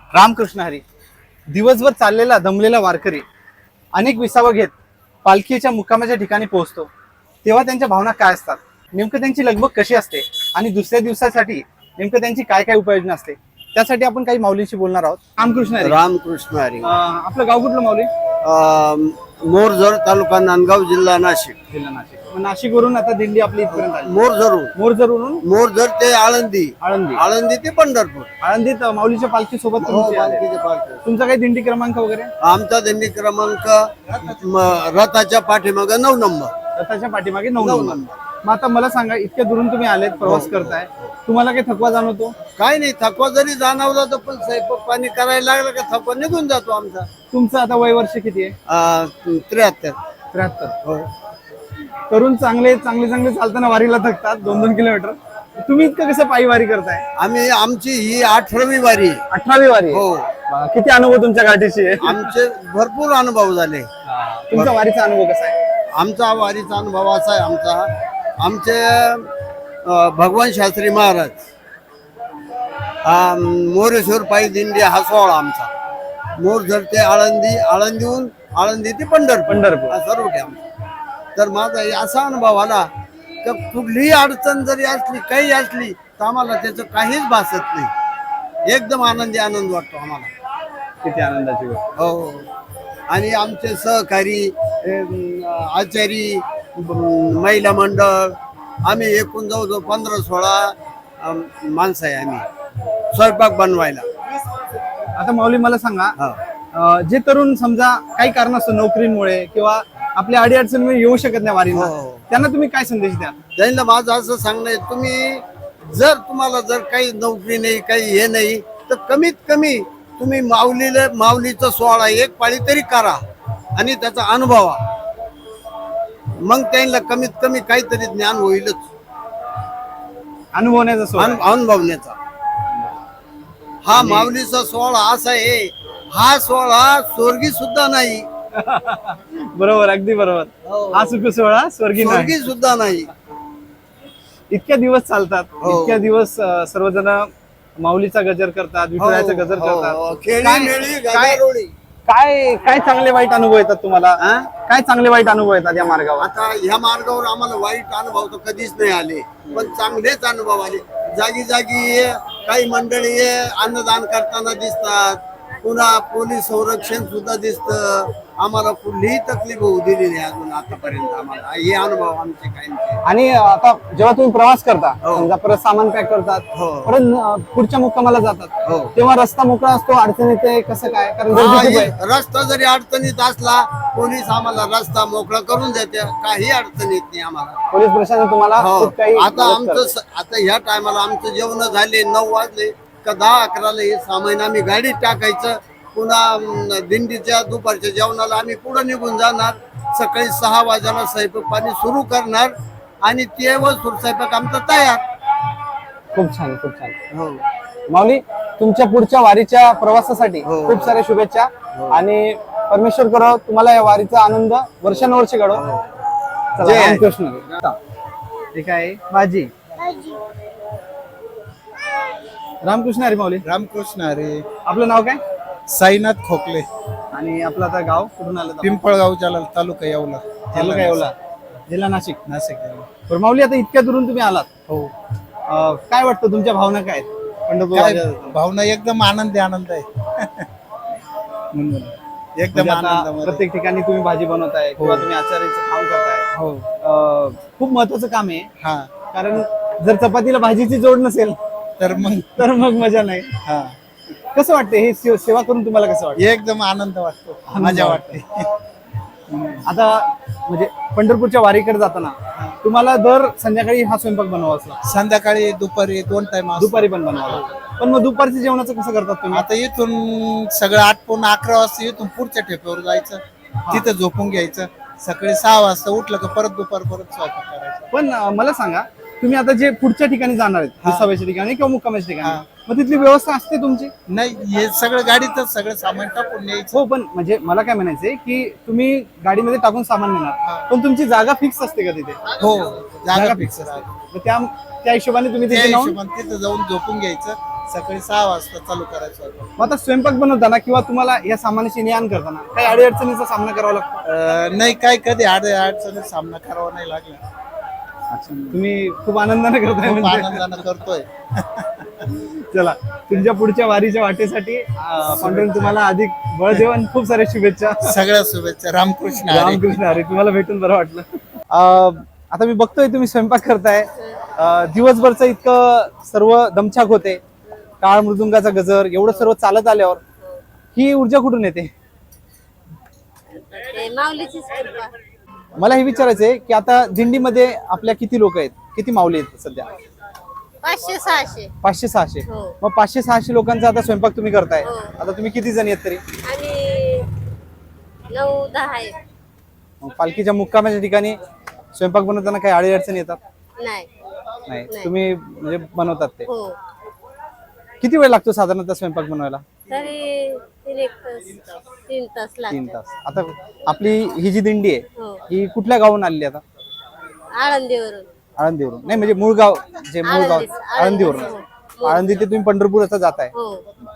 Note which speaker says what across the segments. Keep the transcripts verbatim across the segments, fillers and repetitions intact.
Speaker 1: रामकृष्ण हरी. दिवसभर चाललेला दमलेला वारकरी अनेक विसावं घेत पालखीच्या मुक्कामाच्या ठिकाणी पोहोचतो, तेव्हा त्यांच्या भावना काय असतात, नेमकं त्यांची लगबग कशी असते आणि दुसऱ्या दिवसासाठी नेमकं त्यांची काय काय उपाययोजना असते, त्यासाठी आपण काही माऊलींशी बोलणार आहोत. रामकृष्ण हरी.
Speaker 2: रामकृष्ण हरी.
Speaker 1: अं, आपलं गाव कुठलं माऊली?
Speaker 2: मोरझर तालुका नांदगाव जिल्हा नाशिक.
Speaker 1: जिल्हा नाशिक. नाशिकवरून आता दिंडी आपली इथपर्यंत आली.
Speaker 2: मोरझरून
Speaker 1: मोरजरवरून
Speaker 2: मोरझर ते आळंदी,
Speaker 1: आळंदी
Speaker 2: आळंदी ते पंढरपूर.
Speaker 1: आळंदीत माऊलीच्या पालखी सोबत
Speaker 2: हो,
Speaker 1: तुमची आले.
Speaker 2: पालखीचे पालखी.
Speaker 1: तुमचा काही दिंडी क्रमांक वगैरे?
Speaker 2: आमचा दिंडी क्रमांक म, रथाच्या पाठीमाग नऊ नंबर.
Speaker 1: रथाच्या पाठीमागे नऊ
Speaker 2: नऊ
Speaker 1: नंबर.
Speaker 2: नंबर.
Speaker 1: मग आता मला सांगा, इतक्या दुरून तुम्ही आलेत, प्रवास करताय, तुम्हाला काही थकवा जाणवतो?
Speaker 2: काय नाही, थकवा जरी जाणवला तर पण स्वयंपाक पाणी करायला लागलं का थकवा निघून जातो आमचा.
Speaker 1: तुमचं आता वय वर्ष किती आहे?
Speaker 2: त्र्याहत्तर.
Speaker 1: त्र्याहत्तर.
Speaker 2: हो.
Speaker 1: तरुण चांगले चांगले चांगले चालताना वारीला थकतात दोन दोन किलोमीटर. तुम्ही इतकं कसं पायी वारी करताय?
Speaker 2: आम्ही आमची ही अठरावी वारी.
Speaker 1: अठरावी वारी.
Speaker 2: हो.
Speaker 1: वा, किती अनुभव तुमच्या गाठीशी आहे?
Speaker 2: आमचे भरपूर अनुभव झाले.
Speaker 1: तुमचा वारीचा अनुभव कसा आहे?
Speaker 2: आमचा वारीचा अनुभव असा आहे, आमचा आमचे अ, भगवान शास्त्री महाराज, हा मोरेश्वर पायी दिंडी हा सोहळा आमचा. मोरझर ते आळंदी, आळंदीहून आळंदी ते पंढरपूर,
Speaker 1: पंढरपूर.
Speaker 2: हा सर्व ते आमचा. तर माझा असा अनुभव आला तर कुठलीही अडचण जरी असली, काही असली, तर आम्हाला त्याचं काहीच भासत नाही. एकदम आनंदी आनंद वाटतो आम्हाला.
Speaker 1: किती आनंदाची गोष्ट.
Speaker 2: हो. आणि आमचे सहकारी, अम, आचारी, अम, महिला मंडळ, आम्ही एकूण जवळजवळ पंधरा सोळा अम, माणसं आहे आम्ही स्वयंपाक बनवायला.
Speaker 1: आता माऊली मला सांगा,
Speaker 2: हा.
Speaker 1: अं, जे तरुण समजा काही कारणास्तव नोकरीमुळे किंवा आपल्या अडीअडचणीमुळे येऊ शकत नाही वारीला,
Speaker 2: हो.
Speaker 1: त्यांना तुम्ही काय संदेश द्या?
Speaker 2: त्यांना माझं असं सांगणं आहे, तुम्ही जर तुम्हाला जर काही नोकरी नाही, काही हे नाही, तर कमीत कमी तुम्ही माऊलीला माऊलीचा सोहळा एक पाळी तरी करा आणि त्याचा अनुभवा. मग त्यांना कमीत कमी काहीतरी ज्ञान होईलच,
Speaker 1: अनुभवण्याचा सोहळा.
Speaker 2: अनु- अनुभवण्याचा. हा माऊलीचा सोहळा असा आहे, हा सोहळा स्वर्गी सुद्धा नाही.
Speaker 1: बरोबर, अगदी बरोबर. हा सुख सोहळा स्वर्गी नाही.
Speaker 2: स्वर्गी सुद्धा नाही.
Speaker 1: इतक्या दिवस चालतात,
Speaker 2: हो.
Speaker 1: इतक्या दिवस अं, सर्वजण माऊलीचा गजर करतात, विठुरायाचा गजर
Speaker 2: हो, हो.
Speaker 1: करतात.
Speaker 2: खेळी
Speaker 1: काय-
Speaker 2: मेळी
Speaker 1: काय
Speaker 2: गजारोळी.
Speaker 1: काय काय चांगले वाईट अनुभव येतात तुम्हाला?
Speaker 2: हा?
Speaker 1: काय चांगले वाईट अनुभव येतात या मार्गावर?
Speaker 2: आता ह्या मार्गावर आम्हाला वाईट अनुभव तर कधीच नाही आले, पण चांगलेच अनुभव आले. जागी जागी काही मंडळी अन्नदान करताना दिसतात, पुन्हा पोलीस संरक्षण सुद्धा दिसतं. आम्हाला कुठलीही तकलीफ होऊ दिली नाही अजून आतापर्यंत. आम्हाला हे अनुभव आमचे कायमचे.
Speaker 1: आणि आता जेव्हा तुम्ही प्रवास करता,
Speaker 2: हो.
Speaker 1: समजा परत सामान पॅक करतात,
Speaker 2: हो.
Speaker 1: परत अं, पुढच्या मुक्कामाला जातात,
Speaker 2: हो.
Speaker 1: तेव्हा रस्ता मोकळा असतो, अडचण येते, कसं काय? कारण
Speaker 2: हा,
Speaker 1: गर्दी खूप
Speaker 2: हे
Speaker 1: आहे.
Speaker 2: रस्ता जरी अडचणीत असला, पोलीस आम्हाला रस्ता मोकळा करून देते, काही अडचण येत नाही आम्हाला.
Speaker 1: पोलीस प्रशासन तुम्हाला
Speaker 2: हो.
Speaker 1: खूप काही
Speaker 2: आता
Speaker 1: मदत
Speaker 2: आमचं
Speaker 1: करतं.
Speaker 2: स- आता ह्या टायमाला आमचं जेवण झाले नऊ वाजले का दहा अकराला हे सामान आम्ही गाडीत टाकायचं. पुन्हा अं, दिंडीच्या दुपारच्या जेवणाला आम्ही पुढे निघून जाणार. सकाळी सहा वाजायला स्वयंपाक पाणी सुरू करणार आणि तेव्हा स्वयंपाक आमचा तयार.
Speaker 1: खूप छान, खूप छान.
Speaker 2: हो.
Speaker 1: माऊली, तुमच्या पुढच्या वारीच्या प्रवासासाठी
Speaker 2: हो.
Speaker 1: खूप साऱ्या शुभेच्छा. आणि परमेश्वर करो तुम्हाला या वारीचा आनंद वर्षानुवर्ष घडो. चला,
Speaker 2: जय.
Speaker 1: रामकृष्ण. ठीक आहे भाजी. रामकृष्ण हरी. माऊली,
Speaker 3: रामकृष्ण हरी.
Speaker 1: आपलं नाव काय?
Speaker 3: साईनाथ खोकले,
Speaker 1: आणि आपलं आता गाव कुठून आलं?
Speaker 3: पिंपळगाव जलाल, तालुका येवला,
Speaker 1: तालुका येवला, जिल्हा नाशिक.
Speaker 3: नाशिक जिल्हा.
Speaker 1: बरं माऊली, आता इतक्या दुरून तुम्ही आलात,
Speaker 3: हो.
Speaker 1: अं, काय वाटतं, तुमच्या भावना काय आहेत? पंढरपूर
Speaker 3: काय
Speaker 1: वारीला-
Speaker 3: भावना एकदम आनंदी आनंद आहे.
Speaker 1: म्हणून.
Speaker 3: एकदम
Speaker 1: म्हणजे आता
Speaker 3: आनंदामध्ये.
Speaker 1: प्रत्येक ठिकाणी तुम्ही भाजी बनवताय किंवा तुम्ही आचार्याचं काम करताय.
Speaker 3: हो.
Speaker 1: अं, खूप महत्वाचं काम आहे,
Speaker 3: हा.
Speaker 1: कारण जर चपातीला भाजीची जोड नसेल
Speaker 3: तर मग
Speaker 1: तर मग मजा नाही.
Speaker 3: हा,
Speaker 1: कसं वाटतं हे सेव- सेवा करून तुम्हाला कसं वाटतं?
Speaker 3: एकदम आनंद वाटतो, मजा वाटते.
Speaker 1: आता म्हणजे पंढरपूरच्या वारीकडे जाताना तुम्हाला दर संध्याकाळी हा स्वयंपाक बनवावा असला,
Speaker 3: संध्याकाळी दुपारी दोन टाइम.
Speaker 1: दुपारी पण बनवावा, पण मग दुपारच्या जेवणाचं कसं करतात तुम्ही?
Speaker 3: आता इथून सगळं आटपून अकरा वाजता इथून पुढच्या ठेप्यावर जायचं, तिथं झोपून घ्यायचं. सकाळी सहा वाजता उठलं का परत दुपार परत स्वयंपाक करायचा.
Speaker 1: पण अं, मला सांगा, तुम्ही आता जे पुढच्या ठिकाणी जाणार आहेत,
Speaker 3: हा.
Speaker 1: विसाव्याच्या ठिकाणी किंवा मुक्कामाच्या
Speaker 3: हा.
Speaker 1: ठिकाणी, मग तिथली व्यवस्था असते तुमची?
Speaker 3: नाही, हे सगळं गाडीतच सगळं सामान टाकून न्यायचं.
Speaker 1: हो, पण म्हणजे मला काय म्हणायचंय की तुम्ही गाडीमध्ये टाकून सामान
Speaker 3: हा.
Speaker 1: नेणार, पण तुमची जागा फिक्स असते का तिथे?
Speaker 3: हो,
Speaker 1: जागा
Speaker 3: जागा
Speaker 1: फिक्स
Speaker 3: फिक्स राहते.
Speaker 1: मग त्या त्या हिशोबाने तुम्ही
Speaker 3: त्या
Speaker 1: तिथे जाऊन
Speaker 3: हिशोबाने तिथं जाऊन झोपून घ्यायचं. सकाळी सहा वाजता चालू करायचं स्वयंपाक.
Speaker 1: मग आता स्वयंपाक बनवताना किंवा तुम्हाला या सामानाची ने आण करताना काही अडीअडचणीचा सामना करावा लागतो?
Speaker 3: अं, नाही काय कधी आड अडचणीत सामना करावा नाही लागला.
Speaker 1: तुम्ही खूप आनंदाने करताय
Speaker 3: खूप
Speaker 1: म्हणजे.
Speaker 3: आनंदानं करतोय.
Speaker 1: चला, तुमच्या पुढच्या वारीच्या वाटेसाठी अं, पांडुरंग तुम्हाला अधिक बळ देव आणि खूप साऱ्या शुभेच्छा.
Speaker 3: सगळ्या शुभेच्छा. रामकृष्ण हरी.
Speaker 1: रामकृष्ण हरी. तुम्हाला भेटून बरं वाटलं. अं, आता मी बघतोय तुम्ही स्वयंपाक करताय. अं, दिवसभरचं इतकं सर्व दमछाक होते, टाळ मृदुंगाचा गजर, एवढं सर्व चालत आल्यावर ही ऊर्जा कुठून येते?
Speaker 4: ते माऊलीचीच कृपा.
Speaker 1: मला हे विचारायचंय की आता दिंडीमध्ये आपल्या किती लोक आहेत, किती माऊली आहेत सध्या?
Speaker 4: पाचशे सहाशे
Speaker 1: पाचशे सहाशे.
Speaker 4: हो.
Speaker 1: मग पाचशे सहाशे लोकांचा आता स्वयंपाक तुम्ही करताय.
Speaker 4: हो.
Speaker 1: आता तुम्ही किती जण आहेत तरी?
Speaker 4: आणि नऊ दहा आहे.
Speaker 1: मग पालखीच्या मुक्कामाच्या ठिकाणी स्वयंपाक बनवताना काही अडी अडचणी येतात?
Speaker 4: नाही.
Speaker 1: नाही,
Speaker 4: नाही.
Speaker 1: तुम्ही म्हणजे बनवतात ते.
Speaker 4: हो.
Speaker 1: किती वेळ लागतो साधारणतः स्वयंपाक बनवायला?
Speaker 4: तरी तीन एक तास तीन तास
Speaker 1: तीन
Speaker 4: लागतात.
Speaker 1: तास. आता आपली ही जी दिंडी आहे
Speaker 4: हो.
Speaker 1: ही कुठल्या गावून आलेली आता?
Speaker 4: आळंदीवरून.
Speaker 1: आळंदीवरून? नाही म्हणजे मूळ गाव जे मूळ गाव
Speaker 4: आळंदीच,
Speaker 1: आळंदीवरून.
Speaker 4: आळंदीच.
Speaker 1: आळंदी ते तुम्ही पंढरपूर असं जाताय.
Speaker 4: हो.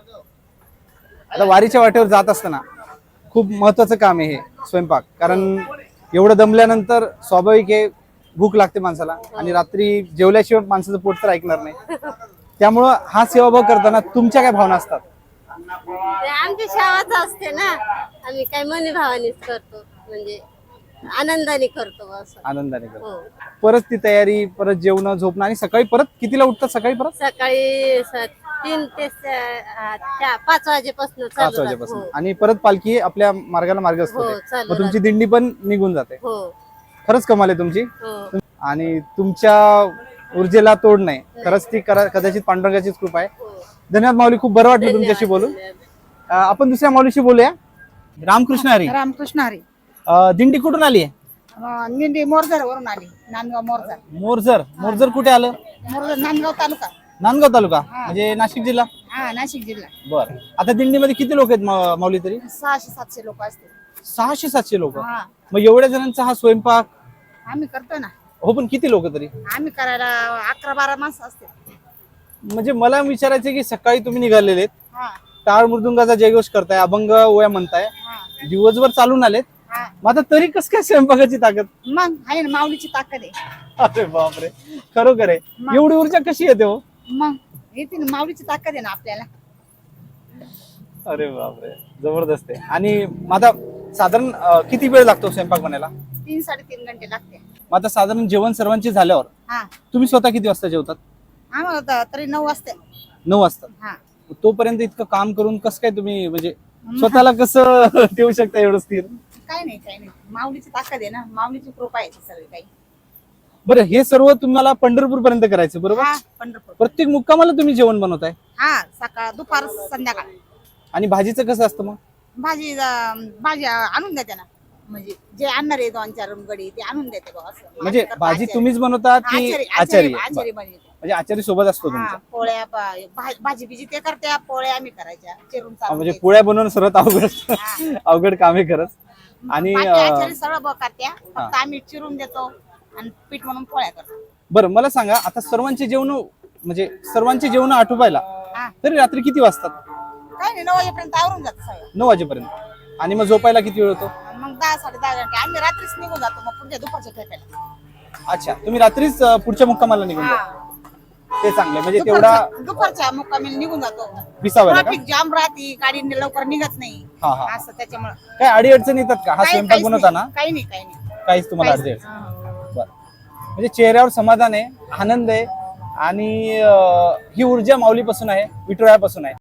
Speaker 1: आता वारीच्या वाटेवर जात असताना खूप महत्वाचं काम आहे हे स्वयंपाक. कारण एवढं दमल्यानंतर स्वाभाविक आहे भूक लागते माणसाला आणि रात्री जेवल्याशिवाय माणसाचं पोट तर ऐकणार नाही. त्यामुळं हा सेवाभाव करताना तुमच्या काय भावना असतात?
Speaker 4: ते आमची सेवाच असते ना. आम्ही काय मनी भावानीच करतो, म्हणजे आनंदाने करतो असं.
Speaker 1: आनंदाने करतो.
Speaker 4: हो.
Speaker 1: परत ती तयारी, परत जेवण झोपणं आणि सकाळी परत कितीला उठतात? सकाळी परत
Speaker 4: सकाळी स- तीन ते स- आ, चा- पाच वाजेपासून
Speaker 1: पाच
Speaker 4: चालू
Speaker 1: वाजेपासून
Speaker 4: राहतं.
Speaker 1: आणि परत पालखी आपल्या मार्गाला मार्ग असतो
Speaker 4: हो,
Speaker 1: ते.
Speaker 4: चालू
Speaker 1: मग तुमची दिंडी पण निघून जाते.
Speaker 4: हो.
Speaker 1: खरंच कमाल आहे तुमची.
Speaker 4: हो.
Speaker 1: आणि तुमच्या ऊर्जेला तोड नाही. खरंच ती करा- कदाचित पांडुरंगाचीच कृपा आहे.
Speaker 4: हो.
Speaker 1: धन्यवाद माऊली, खूप बरं वाटलं तुमच्याशी बोलून. अं, आपण दुसऱ्या माऊलीशी बोलूया. रामकृष्ण हरी.
Speaker 5: रामकृष्ण हरी.
Speaker 1: अं, दिंडी कुठून आली आहे?
Speaker 5: अं, निंदी मोरजर वरून आली. नांदगाव मोरजर.
Speaker 1: मोरजर. मोरजर कुठे आलं?
Speaker 5: मोरजर नांदगाव तालुका.
Speaker 1: नांदगाव तालुका म्हणजे नाशिक जिल्हा.
Speaker 5: हा, नाशिक जिल्हा.
Speaker 1: बर. आता दिंडीमध्ये किती लोक आहेत मा- माऊली तरी?
Speaker 5: सहाशे सातशे लोक असतील.
Speaker 1: सहाशे सातशे लोक.
Speaker 5: हा,
Speaker 1: मग एवढ्या जणांचा हा स्वयंपाक?
Speaker 5: आम्ही करतो ना.
Speaker 1: हो, पण किती लोक तरी?
Speaker 5: आम्ही करायला अकरा बारा माणसं असतील.
Speaker 1: म्हणजे मला विचारायचं की सकाळी तुम्ही निघालेले
Speaker 5: हा,
Speaker 1: टाळ मृदुंगाचा जयघोष करताय, अभंग ओया म्हणताय,
Speaker 5: हा,
Speaker 1: दिवसभर चालून आलेत.
Speaker 5: हा.
Speaker 1: मग आता तरी कस काय स्वयंपाकाची ताकद?
Speaker 5: मग आहे ना, माऊलीची ताकद आहे.
Speaker 1: अरे बापरे, खरोखर आहे.
Speaker 5: मग.
Speaker 1: एवढी ऊर्जा कशी येते हो?
Speaker 5: मग येते ना, माऊलीची ताकद आहे ना आपल्याला.
Speaker 1: अरे बापरे, जबरदस्त आहे. आणि मग आता साधारण अं, किती वेळ लागतो स्वयंपाक बनायला?
Speaker 5: तीन साडेतीन घंटे लागते.
Speaker 1: मग आता साधारण जेवण सर्वांचे झाल्यावर
Speaker 5: हा,
Speaker 1: तुम्ही स्वतः किती वाजता जेवतात?
Speaker 5: आम्हाला तर- तरी नऊ वाजते.
Speaker 1: नऊ वाजता.
Speaker 5: हा,
Speaker 1: तोपर्यंत इतकं काम करून कसं काय तुम्ही म्हणजे स्वतःला कसं ठेवू शकता एवढं स्थिर?
Speaker 5: काही नाही काही नाही, माऊलीची ताकद आहे ना, माऊलीची कृपा आहे ती सगळी काही.
Speaker 1: बरं, हे सर्व तुम्हाला पंढरपूर पर्यंत करायचं बरोबर?
Speaker 5: हा, पंढरपूर.
Speaker 1: प्रत्येक मुक्कामाला तुम्ही जेवण बनवताय?
Speaker 5: हा, सकाळ दुपार संध्याकाळ.
Speaker 1: आणि भाजीचं कसं असतं मग?
Speaker 5: भाजी अं, भाजी आणून देते ना, म्हणजे जे आणणार आहे दोन चार गडी ते आणून देते बा असं.
Speaker 1: म्हणजे
Speaker 5: माझ्याकडे
Speaker 1: भाजी
Speaker 5: आचारी-
Speaker 1: तुम्हीच बनवतात की
Speaker 5: आचारी
Speaker 1: आचारी?
Speaker 5: आचारी
Speaker 1: बरं.
Speaker 5: आचारी बनवते.
Speaker 1: म्हणजे आचारी सोबत असतो
Speaker 5: हा,
Speaker 1: तुमचा.
Speaker 5: पोळ्या बा- भा- भाजी बिजी ते करते, पोळ्या आम्ही करायच्या चिरून
Speaker 1: हा,
Speaker 5: चालून
Speaker 1: म्हणजे
Speaker 5: द्यायचं.
Speaker 1: पोळ्या बनवणं सर्वात अवघड असतं.
Speaker 5: हा.
Speaker 1: अवघड काम आहे खरंच. आणि
Speaker 5: बाकी
Speaker 1: अं,
Speaker 5: आचारी सगळं ब- करत्या, फक्त आम्ही चिरून देतो आणि पीठ म्हणून पोळ्या करतो.
Speaker 1: बरं, मला सांगा आता सर्वांचे जेवण म्हणजे सर्वांचे जेवण आटोपायला
Speaker 5: हा,
Speaker 1: तरी रात्री किती वाजतात?
Speaker 5: काही नाही, नऊ वाजेपर्यंत आवरून जातो सगळं.
Speaker 1: नऊ वाजेपर्यंत. आणि मग झोपायला किती वेळ होतो?
Speaker 5: आणि मग दहा साडे दहा घंटे आम्ही रात्रीच निघून जातो, मग पुढच्या दुपारच्या ठेप्याला.
Speaker 1: अच्छा, तुम्ही रात्रीच अं, पुढच्या मुक्कामाला निघून जा.
Speaker 5: हा,
Speaker 1: ते चांगले म्हणजे तेवढा
Speaker 5: दुपारच्या दुपारच्या मुक्कामी निघून जातो.
Speaker 1: विसावा का?
Speaker 5: ट्रॅफिक जाम राहते, गाडी लवकर निघत नाही
Speaker 1: हा हा.
Speaker 5: असं त्याच्यामुळे.
Speaker 1: काय अडी अडचणी येतात का हा
Speaker 5: काही-
Speaker 1: स्वयंपाक
Speaker 5: काहीच
Speaker 1: बनवताना?
Speaker 5: नाही, काही नाही काही नाही
Speaker 1: काहीच तुम्हाला
Speaker 5: काहीच
Speaker 1: अडचण?
Speaker 5: नाही.
Speaker 1: बरं. म्हणजे चेहऱ्यावर समाधान आहे, आनंद आहे आणि अं, ही ऊर्जा माऊलीपासून आहे, विठुरायापासून आहे.